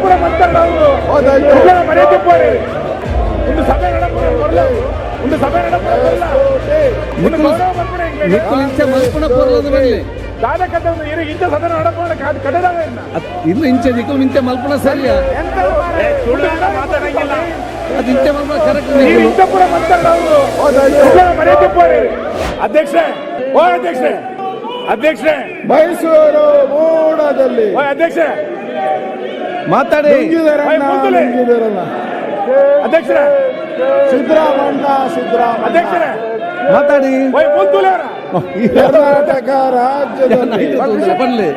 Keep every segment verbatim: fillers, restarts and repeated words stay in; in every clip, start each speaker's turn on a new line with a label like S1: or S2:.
S1: ಇಂಥಪುರ ಮಾತಾಡೋದು ಮರ್ಯಾದೆ ಪೋರಿ ಒಂದು ಸಭೆ ನಡಪಲ್ಲ ಒಂದು ಸಭೆ ನಡಪಲ್ಲ ಒಂದು ಗೌರವ ಬರ್ಪಡೆ
S2: ಮಲ್ಪುಣ ಪೋರ್ಲದ ಮೇಲೆ
S1: ದಾದಕದ ಒಂದು ಇಂಥ ಸದನ ನಡಪೋಣ ಕಡದಾಗ
S2: ಇನ್ನು ಇಂಚೆ ದಿಕ್ಕು ಇಂಚೆ ಮಲ್ಪುಣ ಸರಿಯ
S1: ಮಾತಾಡಂಗಿಲ್ಲ
S2: ಅದು ಇಂಚೆ ಮಲ್ಪುಣ ಕರೆಕ್ಟ್
S1: ಇಂಥಪುರ ಮಾತಾಡೋದು ಮರ್ಯಾದೆ ಪೋರಿ ಅಧ್ಯಕ್ಷ ಓ ಅಧ್ಯಕ್ಷ ಅಧ್ಯಕ್ಷ
S3: ಮೈಸೂರು ಮೂಡದಲ್ಲಿ
S1: ಓ ಅಧ್ಯಕ್ಷ
S2: ಮಾತಾಡಿ
S1: ಅಧ್ಯಕ್ಷರ
S3: ಸಿದ್ದರಾಮಣ್ಣ ಸಿದ್ದರಾಮಣ್ಣ
S1: ಅಧ್ಯಕ್ಷರ
S2: ಮಾತಾಡಿ
S1: ಓಯ್ ಮುಂದುಲೆ ಅವರ
S3: ಕರ್ನಾಟಕ ರಾಜ್ಯದಲ್ಲಿ
S2: ಬನ್ನಿ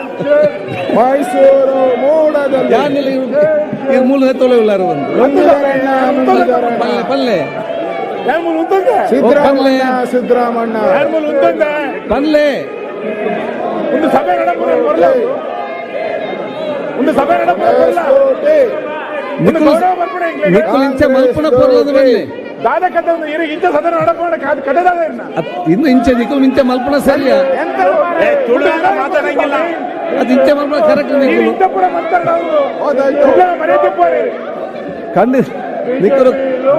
S3: ಮೈಸೂರು ಮೂಡದಲ್ಲಿ
S2: ಯಾನಿಲ್ಲ ಇವ್ರು ಮೂಲ ತೊಲೆಯುಳ್ಳಾರು ಒಂದು
S3: ಮುಂದಿರಣ್ಣ ಮುಂದಿರಣ್ಣ
S2: ಪಲ್ಲೆ ಪಲ್ಲೆ
S1: ಯಾಮೂಲ್ ಉಂತಂದ
S3: ಸಿದ್ದರಾಮಣ್ಣ ಸಿದ್ದರಾಮಣ್ಣ
S1: ಯಾಮೂಲ್ ಉಂತಂದ
S2: ಪಲ್ಲೆ
S1: ಒಂದು ಸಭೆ ನಡಪೋಣ ಬರಲ್ಲ ಒಂದು ಸಭೆ ನಡಪಲ್ಲ
S3: ಕೋಟೆ
S1: ಒಂದು ಗೌರವ ಬರ್ಪಡೆ
S2: ನಿಕ್ಕು ಇಂಚೆ ಮಲ್ಪುಣ ಪೋರ್ಲದ ಮೇಲೆ
S1: ದಾದಕದ ಒಂದು ಇಂಥ ಸದನ ನಡಪೋಣ ಕಡದಾಗ
S2: ಇನ್ನು ಇಂಚೆ ದಿಕ್ಕು ಇಂಚೆ ಮಲ್ಪುಣ ಸರಿಯ
S1: ಮಾತಾಡಂಗಿಲ್ಲ
S2: ಅದು ಇಂಚೆ ಮಲ್ಪುಣ ಕರೆಕ್ಟ್
S1: ಇಂಥಪುರ ಮಾತಾಡೋದು ಮರ್ಯಾದೆ ಪೋರಿ
S2: ಖಂಡಿತ ನಿಕ್ಕರು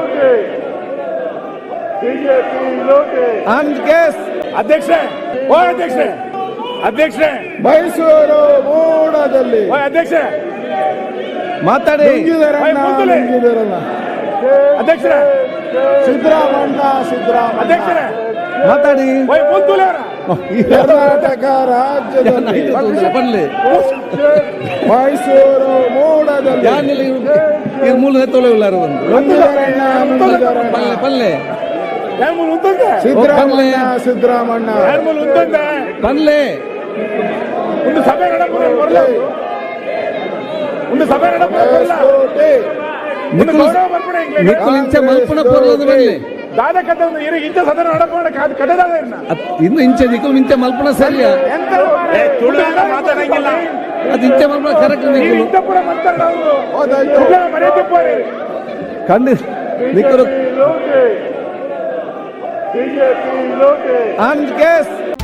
S2: ಅಂಡ್ ಕೇಸ್
S1: ಅಧ್ಯಕ್ಷ ಓ ಅಧ್ಯಕ್ಷ ಅಧ್ಯಕ್ಷ
S3: ಮೈಸೂರು ಮೂಡದಲ್ಲಿ
S2: Oh,
S1: ಓ ಅಧ್ಯಕ್ಷ
S2: ಮಾತಾಡಿ
S3: ಮುಂದಿರಣ್ಣ ಮುಂದಿರಣ್ಣ
S1: ಅಧ್ಯಕ್ಷರ
S3: ಸಿದ್ದರಾಮಣ್ಣ ಸಿದ್ದರಾಮಣ್ಣ
S1: ಅಧ್ಯಕ್ಷರ
S2: ಮಾತಾಡಿ
S1: ಓಯ್ ಮುಂದುಲೆ ಅವರ
S3: ಕರ್ನಾಟಕ ರಾಜ್ಯದಲ್ಲಿ
S2: ಬನ್ನಿ
S3: ಮೈಸೂರು ಮೂಡದಲ್ಲಿ
S2: ಯಾನಿಲ್ಲ ಇವ್ರು ಮೂಲ ತೊಲೆಯುಳ್ಳಾರು ಒಂದು
S3: ಮುಂದಿರಣ್ಣ ಮುಂದಿರಣ್ಣ
S2: ಪಲ್ಲೆ ಪಲ್ಲೆ
S1: ಯಾಮೂಲ್ ಉಂತಂದ
S3: ಸಿದ್ದರಾಮಣ್ಣ ಸಿದ್ದರಾಮಣ್ಣ
S1: ಯಾಮೂಲ್ ಉಂತಂದ
S2: ಪಲ್ಲೆ
S1: ಒಂದು ಸಭೆ ನಡಪೋಣ ಬರಲ್ಲ ಒಂದು ಸಭೆ ನಡಪಲ್ಲ
S3: ಕೋಟೆ
S1: ಒಂದು ಗೌರವ ಬರ್ಪಡೆ
S2: ನಿಕ್ಕು ಇಂಚೆ ಮಲ್ಪುಣ ಪೋರ್ಲದ ಮೇಲೆ
S1: ದಾದಕದ ಒಂದು ಇಂಥ ಸದನ ನಡಪೋಣ ಕಡದಾಗ
S2: ಇನ್ನು ಇಂಚೆ ದಿಕ್ಕು ಇಂಚೆ ಮಲ್ಪುಣ ಸರಿಯ
S1: ಮಾತಾಡಂಗಿಲ್ಲ
S2: ಅದು ಇಂಚೆ ಮಲ್ಪುಣ ಕರೆಕ್ಟ್
S1: ಇಂಥಪುರ ಮಾತಾಡೋದು ಮರ್ಯಾದೆ ಪೋರಿ
S2: ಖಂಡಿತ ನಿಕ್ಕರು ಅಂಡ್ ಕೇಸ್